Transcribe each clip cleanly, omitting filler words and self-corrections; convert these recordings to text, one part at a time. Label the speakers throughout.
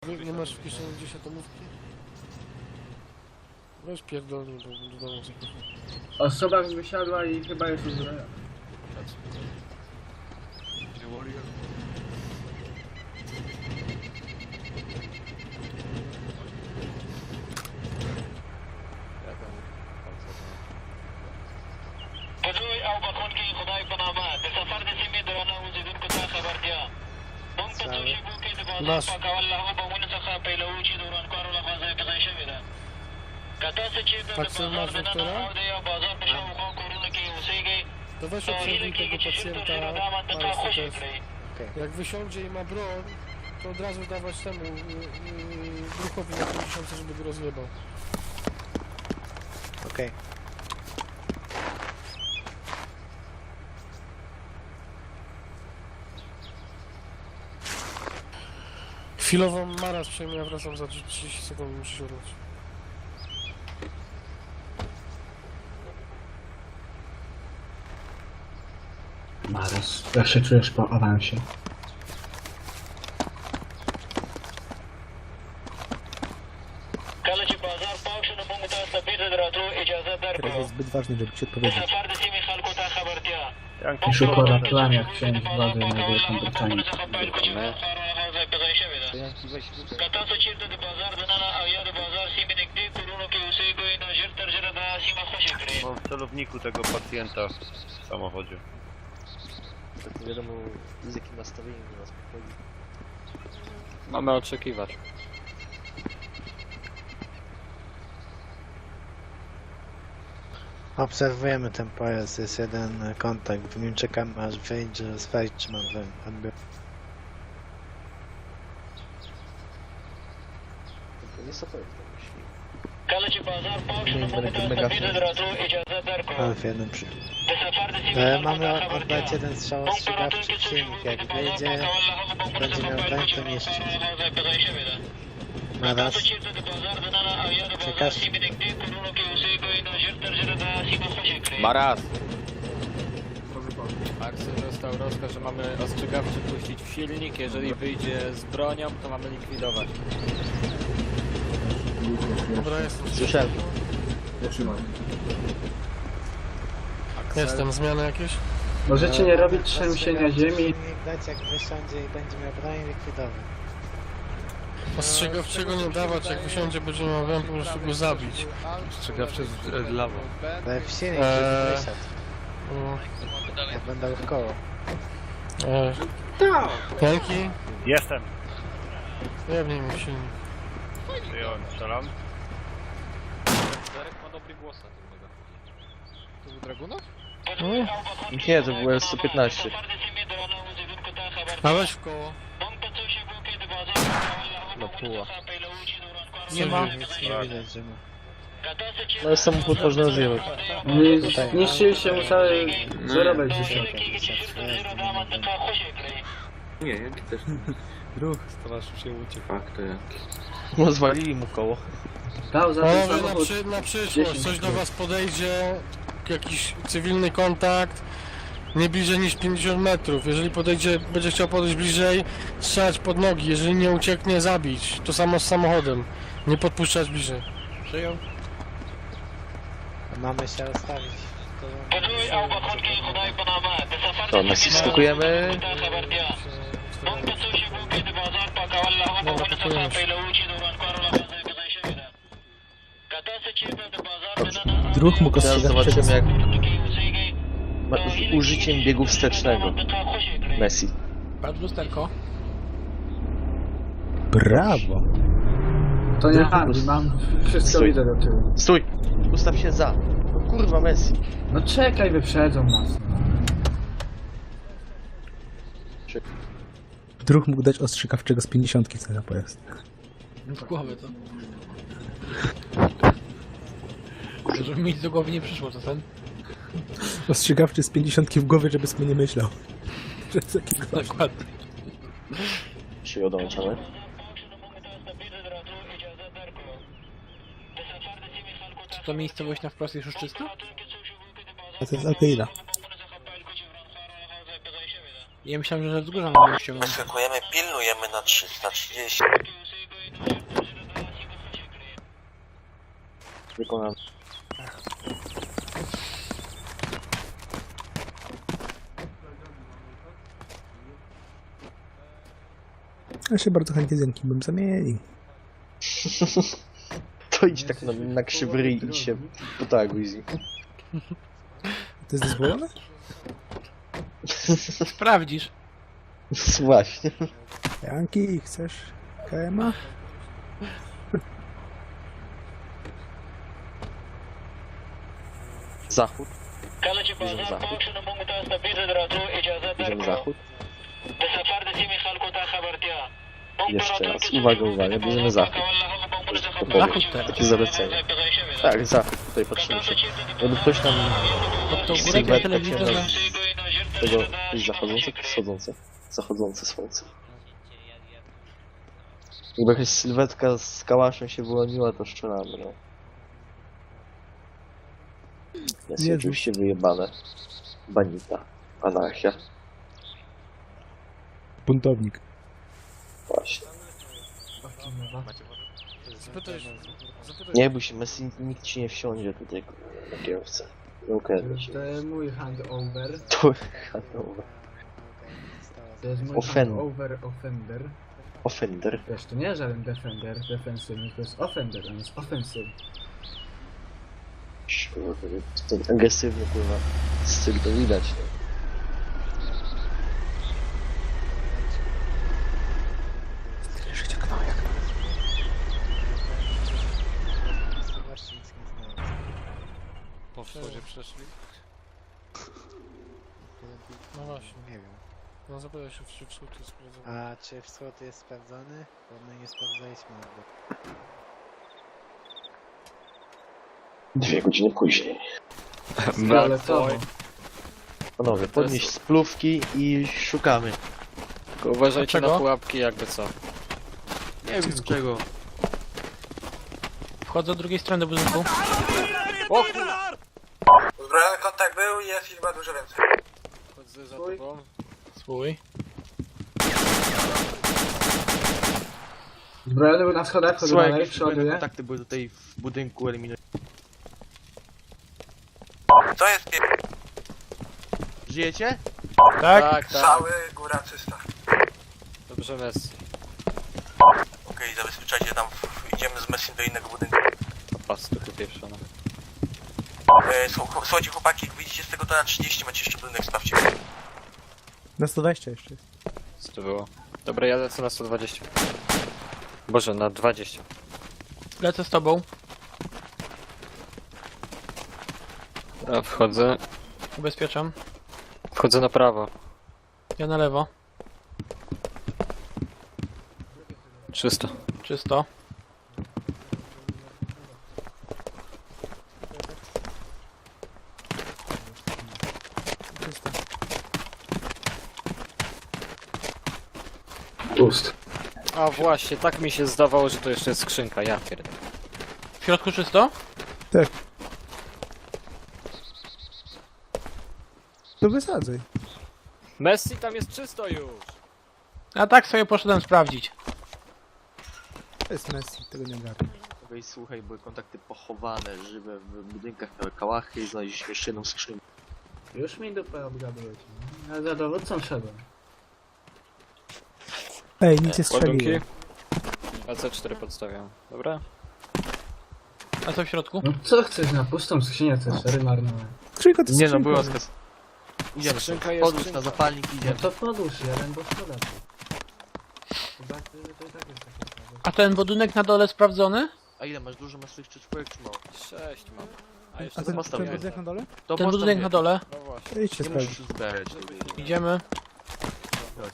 Speaker 1: Nie masz w kieszeni gdzieś atomówki? Weź pierdolnie, bo do domu zapraszam.
Speaker 2: Osoba wysiadła i chyba jest uzbrojona.
Speaker 3: بدوي او بخون کی خدای پنامه د سفر د سیمې درنه اوسیدونکو ته خبرتیا موږ په توشیبو کې د بازار پاکول له هغو بمونو څخه پیلوو چې د ورانکارو لخوا ځای په ځای شوې ده که تاسو چېرته د بازار دننه او د یو بازار په شاوخوا کورونو کې اوسېږئ
Speaker 1: To weź
Speaker 3: نو هیله
Speaker 1: obserwuj
Speaker 3: کېږي
Speaker 1: tego
Speaker 3: چې ژر تر
Speaker 1: pacjenta
Speaker 3: ژره دا منطقه
Speaker 1: Maras,
Speaker 3: خوشې
Speaker 1: też.
Speaker 3: کړئ
Speaker 1: Jak wysiądzie i ma broń, to od razu dawać temu drukowi na 50, żeby go rozjebał.
Speaker 4: Okej.
Speaker 1: Chwilowo Maras przejmie, ja wracam za 30 sekund, muszę się udać.
Speaker 2: Maras, jak się czujesz po awansie?
Speaker 3: کله چې بازار پاک شو نو موږ تاسو ته بیرته د راتلو اجازه
Speaker 4: Teraz
Speaker 3: درکړو
Speaker 4: jest zbyt ważny, żeby ci
Speaker 3: د
Speaker 4: odpowiedzieć.
Speaker 3: سفر د سیمې خلکو ته خبرتیا
Speaker 2: Szybko ratułem, jak chciałem z wody na Wielką Brytanię.
Speaker 3: که تاسو چېرته د بازار دننه او یا د بازار سیمې نږدې کورونو کې اوسېږئ نو ژر تر ژره دا سیمه خوشې کړئ
Speaker 5: Mam w celowniku tego pacjenta w samochodzie.
Speaker 4: Nie wiadomo z jakim nastawieniem do nas podchodzi.
Speaker 6: Mamy oczekiwać.
Speaker 4: Obserwujemy ten pojazd, jest jeden kontakt, w nim czekamy aż wyjdzie, sprawdzić czy mam odbiór. Nie stopuje w tym myśli.
Speaker 3: کله چې بازار پاک شو نو موږ تاسو ته بیرته د راتلو اجازه درکړو
Speaker 4: Ale w jednym przy...
Speaker 3: د سفر د سیمې خلکو
Speaker 4: Mamy
Speaker 3: ته خبرتیا
Speaker 4: oddać jeden strzał
Speaker 3: موږ په راتلونکي
Speaker 4: ostrzegawczy w
Speaker 3: څو
Speaker 4: silnik,
Speaker 3: شېبو کې
Speaker 4: jak
Speaker 3: د بازار
Speaker 4: wyjdzie,
Speaker 3: پاکول له هغو بمونو
Speaker 4: będzie
Speaker 3: څخه
Speaker 4: miał
Speaker 3: پیل
Speaker 4: broń,
Speaker 3: کړو چې
Speaker 4: to nie
Speaker 3: ورانکارو
Speaker 4: strzeli.
Speaker 3: هغه ځای په ځای شوې ده
Speaker 4: Ma
Speaker 3: تاسو
Speaker 4: raz,
Speaker 3: چېرته د بازار دننه او یا د بازار
Speaker 4: Czekasz.
Speaker 3: سیمې نږدې کورونو کې اوسېږئ نو ژر تر ژره دا سیمه خوشې کړئ
Speaker 6: Maras! Aksel dostał rozkaz, że mamy ostrzegawczy puścić w silnik. Jeżeli wyjdzie z bronią, to mamy likwidować.
Speaker 1: Dobra, jestem.
Speaker 4: słyszałem.
Speaker 1: Jestem, zmiany jakieś?
Speaker 2: Możecie nie robić trzęsienia ziemi.
Speaker 4: Silnik dać jak wysiądzie i będzie miał broń likwidować.
Speaker 1: Ostrzegawczego nie dawać, jak wysiądzie, będzie miał broń, po prostu go zabić.
Speaker 6: Ostrzegawczy z lawą.
Speaker 4: Ale w silnik
Speaker 1: Eee.
Speaker 4: wysiadł,
Speaker 1: Mm,
Speaker 4: jak będę w koło.
Speaker 1: Janki?
Speaker 5: Jestem!
Speaker 1: Jebnij mi silnik.
Speaker 5: Przyjąłem, strzelam.
Speaker 6: Darek ma dobry głos na tym megafonie. To był Dragunov?
Speaker 3: Nie, to był S115
Speaker 1: A weź w koło.
Speaker 3: No puła.
Speaker 1: Nie ma.
Speaker 4: Nic nie widać, że ma.
Speaker 3: No jest samochód można rozjechać.
Speaker 2: Zniszczyliście mu cały zarobek dzisiaj.
Speaker 6: Ruch, stowarzysz się uciekł.
Speaker 3: No zwalili mu koło.
Speaker 2: Dał za ten
Speaker 1: Panowie,
Speaker 2: samochód.
Speaker 1: na przyszłość, coś do was podejdzie, jakiś cywilny kontakt, nie bliżej niż 50 metrów. Jeżeli podejdzie, będzie chciał podejść bliżej, strzelać pod nogi. Jeżeli nie ucieknie, zabić. To samo z samochodem. Nie podpuszczać bliżej.
Speaker 6: Przyjął.
Speaker 4: Mamy się rozstawić.
Speaker 3: To naciskujemy.
Speaker 1: Dobra, pakujemy się.
Speaker 4: Druh mógł
Speaker 3: Teraz
Speaker 4: ostrzegać
Speaker 3: zobaczymy
Speaker 4: przed...
Speaker 3: jak z użyciem biegu wstecznego. Messi.
Speaker 6: Patrz lusterko.
Speaker 4: Brawo!
Speaker 2: To nie handl, mam wszystko
Speaker 3: Stój.
Speaker 2: widzę do tyłu.
Speaker 3: Stój! Ustaw się za. No kurwa Messi.
Speaker 2: No czekaj, wyprzedzą nas.
Speaker 7: Druh mógł dać ostrzegawczego z 50 co na pojazd.
Speaker 6: W głowę to. Żeby mi nic do głowy nie przyszło, to ten.
Speaker 7: Ostrzegawczy z 50 w głowie, żeby sobie nie myślał. Że jest taki gość.
Speaker 6: Dokładnie.
Speaker 3: Się odłączamy.
Speaker 6: Czy to miejscowość na wprost jest już czysta?
Speaker 7: A to jest Alkeida.
Speaker 6: Ja myślałem, że ze wzgórza mogę ściągnąć.
Speaker 3: Skakujemy, pilnujemy na 30.
Speaker 8: Wykonany.
Speaker 7: Ja się bardzo chętnie z Jankiem bym zamienił.
Speaker 8: To idź tak na krzywy ryj i się potaguj z nim.
Speaker 7: To jest dozwolone?
Speaker 9: Sprawdzisz.
Speaker 8: Właśnie.
Speaker 7: Janki, chcesz KMA?
Speaker 8: Zachód.
Speaker 3: كالتي بازار فانكشن ممكن تستفيد دراتو إجازة
Speaker 8: Idziemy zachód.
Speaker 3: بسفر دسيمي خلقو تا خبرتيا
Speaker 8: Jeszcze raz. Uwaga, bierzemy zachód.
Speaker 9: Zachód teraz.
Speaker 8: Takie zalecenie. Tak, zachód. Tutaj patrzymy się. Jakby ktoś tam
Speaker 9: Pod tą górę
Speaker 8: sylwetkę
Speaker 9: telewizor
Speaker 8: księdza
Speaker 9: na...
Speaker 8: tego jest zachodzące czy wschodzące? Zachodzące słońce. Jakby jakaś sylwetka z kałaszem się wyłoniła, to strzelamy, no. Jest
Speaker 7: Jezu.
Speaker 8: oczywiście wyjebane. Banita. Anarchia.
Speaker 7: Buntownik.
Speaker 8: Właśnie.
Speaker 1: Zapytaj
Speaker 8: Nie bój się, Messi, nikt ci nie wsiądzie tutaj na kierowcę. Nie ukradnie się.
Speaker 2: To jest mój handover.
Speaker 8: To Hanover.
Speaker 2: To jest mój
Speaker 8: Ofen-
Speaker 2: handover offender.
Speaker 8: Offender.
Speaker 2: Wiesz, to nie żaden defender, defensywny, to jest offender, on jest offensive.
Speaker 8: Kurwa, ten agresywny kurwa styl to widać. No.
Speaker 1: Po wschodzie przeszli. No właśnie.
Speaker 4: Nie wiem.
Speaker 1: No zapytaj się, czy wschód jest sprawdzony.
Speaker 4: A czy wschód jest sprawdzony? Bo my nie sprawdzaliśmy.
Speaker 8: 2 godziny później.
Speaker 2: Fioletowo.
Speaker 8: Panowie, podnieść splówki i szukamy.
Speaker 6: Tylko uważajcie
Speaker 1: Dlaczego?
Speaker 6: na pułapki, jakby co.
Speaker 8: Nie wiem z czego.
Speaker 9: Wchodzę od drugiej strony do budynku.
Speaker 10: Uzbrojony kontakt był i jest liczba dużo więcej.
Speaker 6: Chodzę za tobą.
Speaker 9: Swój.
Speaker 2: Zbrojony był na schodach, chodzę
Speaker 8: Słuchaj,
Speaker 2: dalej,
Speaker 8: jakieś zbrojne
Speaker 2: przoduję.
Speaker 8: kontakty były tutaj w budynku eliminuj.
Speaker 10: To jest
Speaker 8: Żyjecie?
Speaker 6: Tak, tak.
Speaker 10: cały, góra czysta.
Speaker 6: Dobrze, Messi.
Speaker 10: Okej, zabezpieczajcie tam, idziemy z Messim do innego budynku.
Speaker 6: Pas, to pieprzona.
Speaker 10: Słuchajcie chłopaki, jak wyjdziecie z tego to na 30, macie jeszcze budynek, sprawdźcie.
Speaker 7: Na 120 jeszcze jest.
Speaker 6: Co to było? Dobra, ja lecę na 120. Boże, na 20.
Speaker 9: Lecę z tobą.
Speaker 6: Dobra, wchodzę.
Speaker 9: Ubezpieczam.
Speaker 6: Wchodzę na prawo.
Speaker 9: Ja na lewo.
Speaker 6: Czysto.
Speaker 9: Czysto.
Speaker 2: Pust.
Speaker 6: A właśnie, tak mi się zdawało, że to jeszcze jest skrzynka, ja pierdolę.
Speaker 9: W środku czysto?
Speaker 7: To wysadzaj.
Speaker 6: Messi, tam jest czysto już!
Speaker 9: A tak sobie poszedłem sprawdzić.
Speaker 7: To jest Messi, tego nie ogarnę.
Speaker 8: Okej, słuchaj, były kontakty pochowane, żywe w budynkach, miały kałachy i znaleźliśmy jeszcze jedną skrzynkę.
Speaker 2: Już mi dupę obgadujecie. Ja za dowódcą szedłem.
Speaker 7: Ej, nic nie
Speaker 6: Ładunki.
Speaker 7: strzeliłem.
Speaker 6: AC4 podstawiam. Dobra?
Speaker 9: A co w środku?
Speaker 2: No co chcesz na pustą skrzynię, te szery marnowe?
Speaker 7: Skrzynka to jest
Speaker 8: Nie no,
Speaker 7: skrzynka.
Speaker 8: był rozkaz. Idziemy,
Speaker 6: Skrzynka jest
Speaker 8: podłóż
Speaker 6: skrzynka.
Speaker 8: na zapalnik
Speaker 2: No
Speaker 8: idziemy.
Speaker 2: to podłóż jeden, bo szkoda tu. Chyba, że to i tak jest takie słabe.
Speaker 9: A ten budynek na dole sprawdzony?
Speaker 8: A ile masz? Dużo masz tych czwórek czy mało?
Speaker 6: 6 mam. A jeszcze
Speaker 7: A ten
Speaker 8: postaw
Speaker 7: ten
Speaker 8: jeden.
Speaker 7: budynek na dole?
Speaker 8: To
Speaker 9: Ten
Speaker 8: postaw
Speaker 9: budynek
Speaker 8: je.
Speaker 9: na dole.
Speaker 6: No właśnie.
Speaker 7: To idźcie
Speaker 8: Nie
Speaker 7: sprawdzić.
Speaker 8: musisz zbierać tego.
Speaker 9: Idziemy.
Speaker 8: Chodź.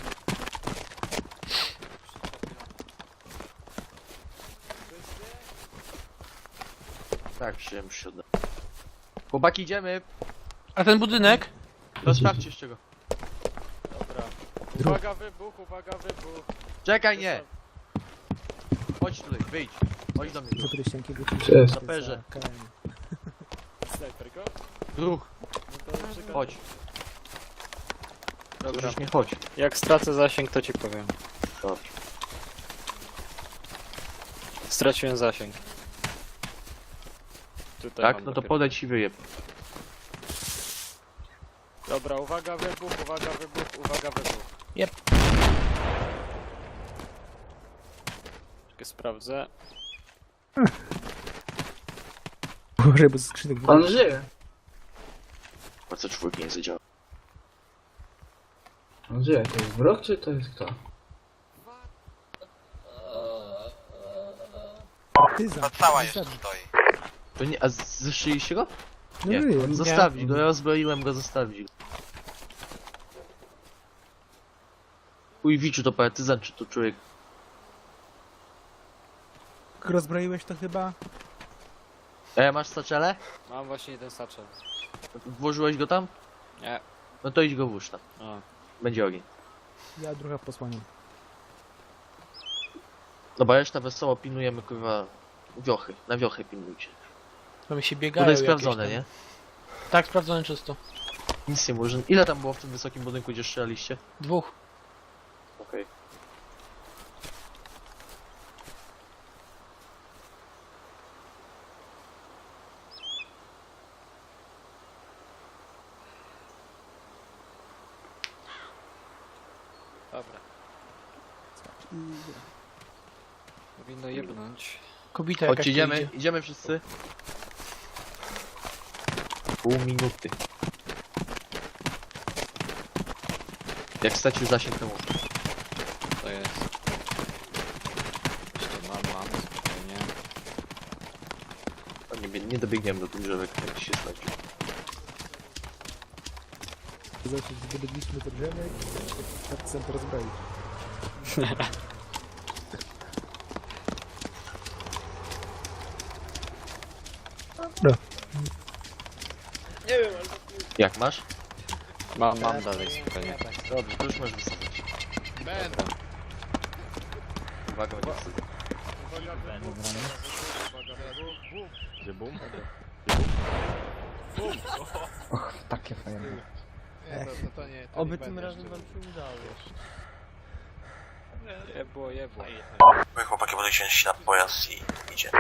Speaker 8: Tak, przyjemnie się odda. Chłopaki, idziemy!
Speaker 9: A ten budynek?
Speaker 8: To sprawdźcie z czego.
Speaker 6: Dobra.
Speaker 7: Druk.
Speaker 6: Uwaga, wybuch, uwaga, wybuch.
Speaker 8: Czekaj, nie! Chodź tutaj, wyjdź. Chodź do mnie.
Speaker 7: Zapytaj ścianki, go
Speaker 2: Cześć.
Speaker 8: Saperze.
Speaker 6: Snajper go?
Speaker 8: Ruch,
Speaker 6: No to czekaj.
Speaker 8: chodź.
Speaker 6: Dobra.
Speaker 8: Już nie chodź.
Speaker 6: Jak stracę zasięg, to ci powiem.
Speaker 8: Dobrze.
Speaker 6: Straciłem zasięg. Tutaj
Speaker 8: Tak?
Speaker 6: mam
Speaker 8: No to
Speaker 6: dopiero.
Speaker 8: podejdź i wyjeb.
Speaker 6: Dobra, uwaga wybuch, uwaga wybuch, uwaga wybuch.
Speaker 9: Jep.
Speaker 6: Czekaj, sprawdzę.
Speaker 7: Uważaj, bo ze skrzynek
Speaker 2: On żyje.
Speaker 8: Po co czwórki nie zadziała?
Speaker 2: On żyje. To jest wróg, czy to jest kto?
Speaker 7: partyzan.
Speaker 10: Ta cała
Speaker 7: Partyzan.
Speaker 10: jeszcze stoi.
Speaker 8: To nie, a zeszyliście go?
Speaker 7: No
Speaker 8: Nie.
Speaker 7: żyje.
Speaker 8: Zostawić go, ja rozbroiłem go, zostawić go. Ujwiczu to partyzan, czy to człowiek?
Speaker 7: Jak rozbroiłeś to chyba?
Speaker 8: Masz saczele?
Speaker 6: Mam właśnie jeden satchel.
Speaker 8: Włożyłeś go tam?
Speaker 6: Nie.
Speaker 8: No to idź go włóż tam.
Speaker 6: A.
Speaker 8: Będzie ogień.
Speaker 7: Ja druga posłaniam.
Speaker 8: Dobra, reszta wesoło pilnujemy, kurwa, wiochy. Na wiochy pilnujcie.
Speaker 9: Tam się biegają
Speaker 8: Tutaj
Speaker 9: jakieś
Speaker 8: sprawdzone,
Speaker 9: tam.
Speaker 8: nie?
Speaker 9: Tak, sprawdzone czysto.
Speaker 8: Nic nie może. Ile tam było w tym wysokim budynku, gdzie strzelaliście?
Speaker 9: 2.
Speaker 8: Okej.
Speaker 6: Dobra. Powinno jebnąć.
Speaker 9: Kobita jakaś
Speaker 8: Chodź,
Speaker 9: tu
Speaker 8: idziemy,
Speaker 9: idzie.
Speaker 8: idziemy wszyscy. Pół minuty. Jak stracił zasięg, to mów.
Speaker 6: To jest. Jeszcze mam, spokojnie.
Speaker 8: O, nie dobiegniemy do tych drzewek, jak się stracił.
Speaker 7: Zobaczyć, zdobyliśmy to drzemek, partyzan to rozbroić. Dobra.
Speaker 8: Jak masz?
Speaker 6: Mam dalej, spokojnie.
Speaker 8: Dobrze, to już możesz wysadzać.
Speaker 5: Będę.
Speaker 8: Uwaga, będzie wsadzać.
Speaker 5: Gdzie bum?
Speaker 2: Takie fajne.
Speaker 5: Nie, to nie. To
Speaker 2: Oby
Speaker 5: nie
Speaker 2: tym
Speaker 5: będzie
Speaker 2: razem wam się udało.
Speaker 6: Jebło, jebło.
Speaker 10: My chłopaki podejdziemy się na pojazd i idzie.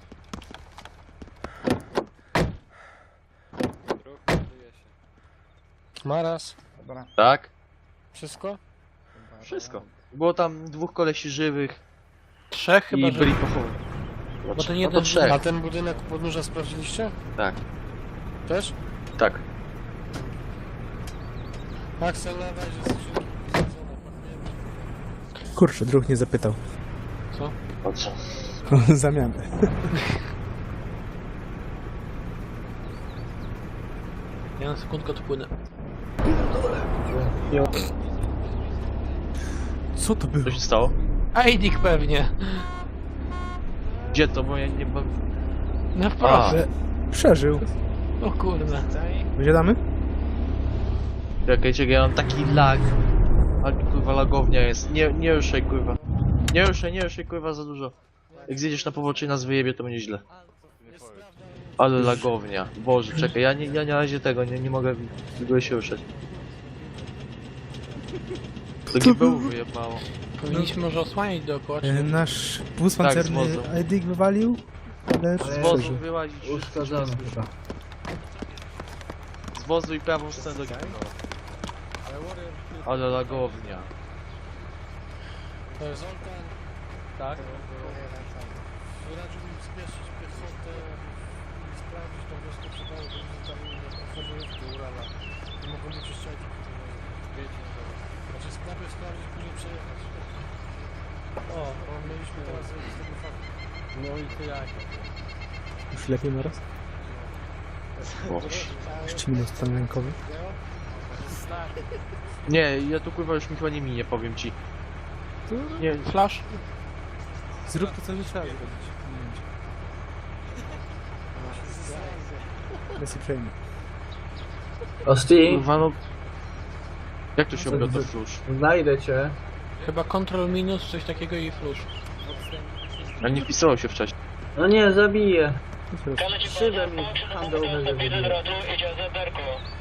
Speaker 6: Ruch, ładuje się.
Speaker 1: Maras.
Speaker 8: Tak?
Speaker 1: Wszystko?
Speaker 8: Wszystko. Było tam 2 kolesi żywych
Speaker 9: 3 chyba,
Speaker 8: i
Speaker 9: że...
Speaker 8: byli pochowani.
Speaker 9: Bo ten
Speaker 8: No
Speaker 9: jeden...
Speaker 8: to 3.
Speaker 1: A ten budynek u podnóża sprawdziliście?
Speaker 8: Tak,
Speaker 1: Też?
Speaker 8: tak.
Speaker 1: Axel, na razie skrzynki wysadzone, pakujemy.
Speaker 7: Kurczę, druh nie zapytał.
Speaker 8: Po co?
Speaker 7: O zamianę.
Speaker 9: Ja na sekundkę odpłynę.
Speaker 7: Co to było?
Speaker 8: Co się stało?
Speaker 9: Aidik pewnie.
Speaker 8: Gdzie to? Bo ja nie...
Speaker 9: Na wprost.
Speaker 7: Przeżył.
Speaker 9: O kurde.
Speaker 7: Wysiadamy?
Speaker 8: Czekajcie, ja mam taki lag. Ale kurwa lagownia jest. Nie ruszaj kurwa. Nie ruszaj kurwa za dużo. Jak zjedziesz na pobocze i nas wyjebie, to będzie źle. Ale lagownia. Boże, czekaj, ja na razie tego nie mogę w ogóle się ruszać. To GBU wyjebało.
Speaker 9: Powinniśmy może osłaniać dookoła, czy nie?
Speaker 7: Nasz wóz
Speaker 8: Tak,
Speaker 7: pancerny
Speaker 8: z wozu.
Speaker 7: Aidik wywalił, ale
Speaker 8: Z wozu
Speaker 7: przeżył.
Speaker 8: wyłazić.
Speaker 2: Uszkodzony chyba.
Speaker 8: Z wozu i prawą stronę do GBU. Ale lagownia.
Speaker 1: Zoltan.
Speaker 8: Tak?
Speaker 1: Radziłbym spieszyć piechotę i sprawdzić tą wioskę przydało, bo oni tam oferujówki Urala. Nie mogą być jeszcze Znaczy najpierw sprawdzić, później przejechać. O, bo mieliśmy teraz zrobić z tego faktu. No i to jak?
Speaker 7: Już lepiej na raz? Jeszcze minus stan rękowy.
Speaker 8: Nie, ja tu kurwa już mi chyba nie minie, powiem ci. Nie,
Speaker 9: Flash?
Speaker 7: Zrób to, co nie trzeba zrobić. Bez uprzejmie.
Speaker 2: Osti,
Speaker 8: kurwa no... Jak to się obiada flusz?
Speaker 2: znajdę cię.
Speaker 9: Chyba Ctrl minus, coś takiego i flush.
Speaker 8: A nie wpisało się wcześniej.
Speaker 2: No nie, zabiję.
Speaker 3: كانت
Speaker 2: Szybę mi handlowe
Speaker 3: تبديل
Speaker 2: zabiję.
Speaker 3: الراديو إجازة داركو